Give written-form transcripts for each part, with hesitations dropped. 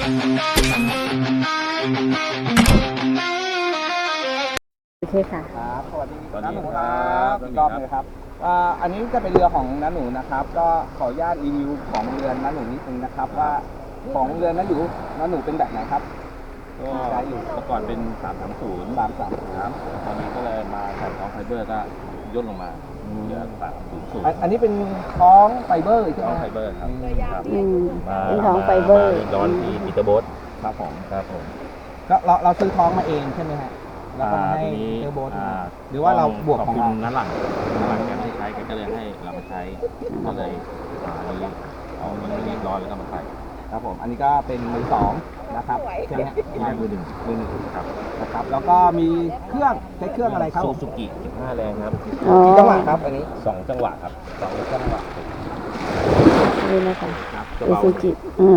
โอเคค่ะครับสวัสดีน้าหนูครับอีกรอบเลยครับอันนี้จะเป็นเรือของน้าหนูนะครับก็ขออนุญาตรีวิวของเรือน้าหนูนิดนึงนะครับว่าของเรือน้าหนูเป็นแบบไหนครับก็เมื่อก่อนเป็น330ครับตอนนี้ก็เลยมาใส่ท้องไฟเบอร์ก็ย่นลงมาเหลือ300 อันนี้เป็นท้องไฟเบอร์ใช่ไหมท้องไฟเบอร์ครับเป็นท้องไฟเบอร์ร้อนที่ปีเตอร์โบ๊ทครับผมก็เราซื้อท้องมาเองใช่ไหมฮะแล้วก็ให้เทอร์โบ๊ทหรือว่าเราบวกของเราน้าหลังแกไม่ใช้แกก็เลยให้เรามาใช้ก็เลยนี้เอามันเรียบร้อยแล้วก็มาใส่ครับผมอันนี้ก็เป็นมือสองนะครับใช่ไหมฮะมือหนึ่งครับนะครับแล้วก็มีเครื่องใช้เครื่องอะไรครับซูซูกิ15 แรงครับกี่จังหวะครับอันนี้ 2 จังหวะครับ2 จังหวะนี่นะคะซูซูกิ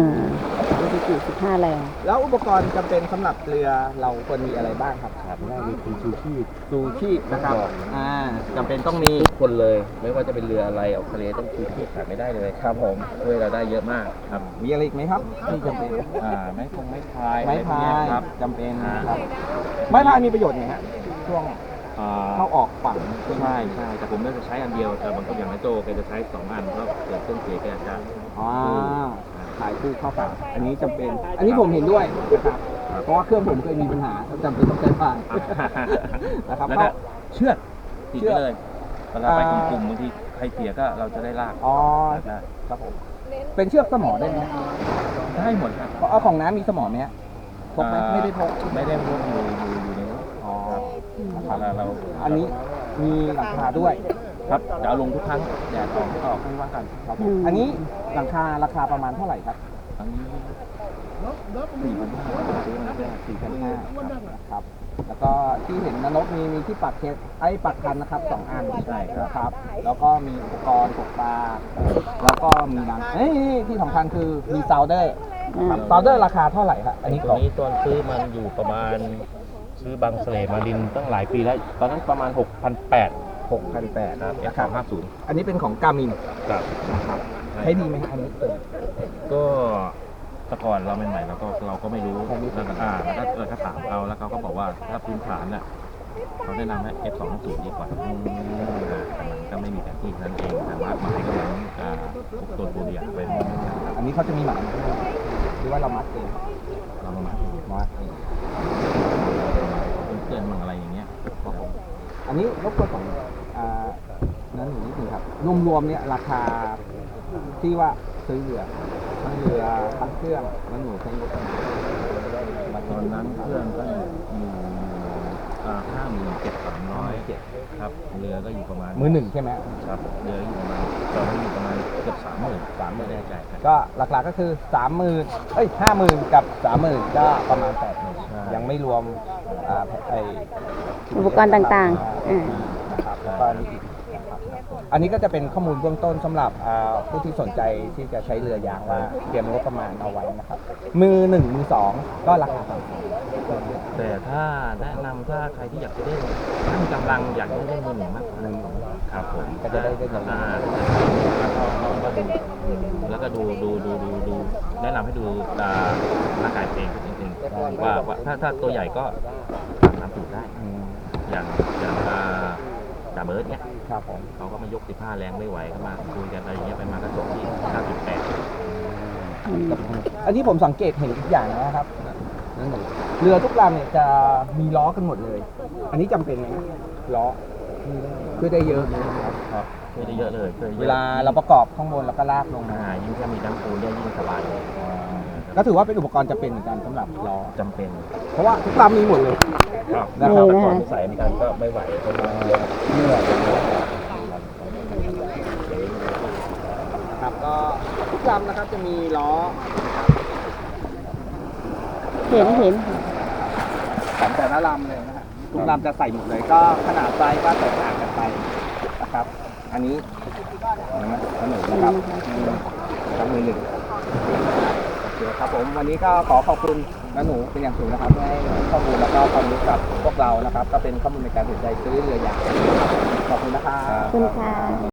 15 แรงแล้วอุปกรณ์จำเป็นสำหรับเรือเราควรมีอะไรบ้างครับแรกมีชูชีพนะครับจำเป็นต้องมีทุกคนเลยไม่ว่าจะเป็นเรืออะไรออกทะเลต้องชูชีพขาดไม่ได้เลยครับผมช่วยเราได้เยอะมากครับมีอะไรอีกไหมครับที่จำเป็นไม้พายครับจำเป็นครับไม้พายมีประโยชน์ไงฮะช่วงเข้าออกฝั่งใช่แต่ผมไม่จะใช้อันเดียวแต่บางคนอย่างนายโจแกจะใช้2 อันเพราะเกิดเครื่องเสียแกจะถ่ายคู่เข้าฝั่งอันนี้จำเป็นอันนี้ผมเห็นด้วยนะครับเพราะว่าเครื่องผมเคยมีปัญหาจำเป็นต้องใช้พายนะครับแล้วก็เชือกติดเลยเวลาไปกลุ่มบางทีใครเสียก็เราจะได้ลากครับผมเป็นเชือกสมอได้ไหมได้หมดครับเอาของน้ำมีสมอไหมพกไหมไม่ได้พกอยู่ในนู้นเราอันนี้มีหลังคาด้วยครับจะเอาลงทุกครั้งแดดออกก็ไม่ว่ากันครับอันนี้หลังคาราคาประมาณเท่าไหร่ครับอันนี้ 4,500ครับแล้วก็ที่เห็นนกมีที่ปักปักคันนะครับ2 อันใช่ครับแล้วก็มีอุปกรณ์ตกปลาแล้วก็มีน้ำที่สำคัญคือมีซาวเดอร์ราคาเท่าไหร่ครับอันนี้ตอนซื้อมันอยู่ประมาณซื้อบางเสลมาดินตั้งหลายปีแล้วตอนนั้นประมาณ6,800ครับF350 อันนี้เป็นของกามินครับใช้ดีไหมอันนี้ก็แต่ก่อนเราใหม่ๆเราก็ไม่รู้แล้วก็ถ้าถามเขาแล้วเขาก็บอกว่าถ้าพื้นฐานน่ะเขาแนะนำให้ F250ดีกว่าก็ไม่มีแผนที่นั่นเองแต่ว่าหมายก็เหมือนตัวเดียวเป็นอันนี้เขาจะมีหมายหรือว่าเรามัดเองเรามัดเองเพื่อนมั่งอะไรอย่างเงี้ยอันนี้รบกวนของนั้นนิดนึงครับรวมๆเนี่ยราคาที่ว่าซื้อเรือทั้งเครื่องแล้วหนูใช้งบประมาณตอนนั้นเครื่องก็อยู่57,300ครับเรือก็อยู่ประมาณมือหนึ่งใช่ไหมครับเรืออยู่ประมาณตอนนั้นอยู่ประมาณเกือบ30,000ไม่แน่ใจก็หลักๆก็คือ50,000กับ30,000ก็ประมาณ80,000ยังไม่รวมอุปกรณ์ต่างๆนะครับแล้วก็นี่อีกอันนี้ก็จะเป็นข้อมูลเบื้องต้นสำหรับผู้ที่สนใจที่จะใช้เรือยางว่าเตรียมงบประมาณเอาไว้นะครับมือ1มือ2ก็ราคาต่างแต่ถ้าแนะนำถ้าใครที่อยากจะได้ตั้งกำลังอยากได้มือหนึ่งมากครับผมก็จะได้แล้วก็ดูแนะนำให้ดูร่างกายเองนิดนึงว่าถ้าตัวใหญ่ก็30ได้อย่างจ่าเบิร์ดเนี่ยครับผมเขาก็มายก15 แรงไม่ไหวก็มาคุยกันอะไรอย่างเงี้ยไปมากระจกที่ 98อันนี้ผมสังเกตเห็นอีกอย่างนะครับเรือทุกลำเนี่ยจะมีล้อกันหมดเลยอันนี้จำเป็นไหมล้อช่วยได้เยอะครับช่วยได้เยอะเลยเวลาเราประกอบข้างบนแล้วก็ลากลงมายิ่งถ้ามีน้ำปูเนี่ยยิ่งสบายเลยก็ถือว่าเป็นอุปกรณ์จำเป็นเหมือนกันสำหรับล้อจำเป็นเพราะว่าทุกลำมีหมดเลยนะครับแต่ก่อนใส่เหมือนกันก็ไม่ไหวเพราะว่าเมื่อครับก็ทุกลำนะครับจะมีล้อเห็นของแต่ละลำเลยนะฮะทุกลำจะใส่หมดเลยก็ขนาดไซส์ก็แตกต่างกันไปนะครับอันนี้ขนมนะครับทั้งมือ1โอเคครับผมวันนี้ก็ขอขอบคุณน้าหนูเป็นอย่างสูงนะครับให้ข้อมูลแล้วก็ความรู้กับพวกเรานะครับก็เป็นข้อมูลในการตัดสินใจซื้อเรือยางขอบคุณนะครับขอบคุณค่ะ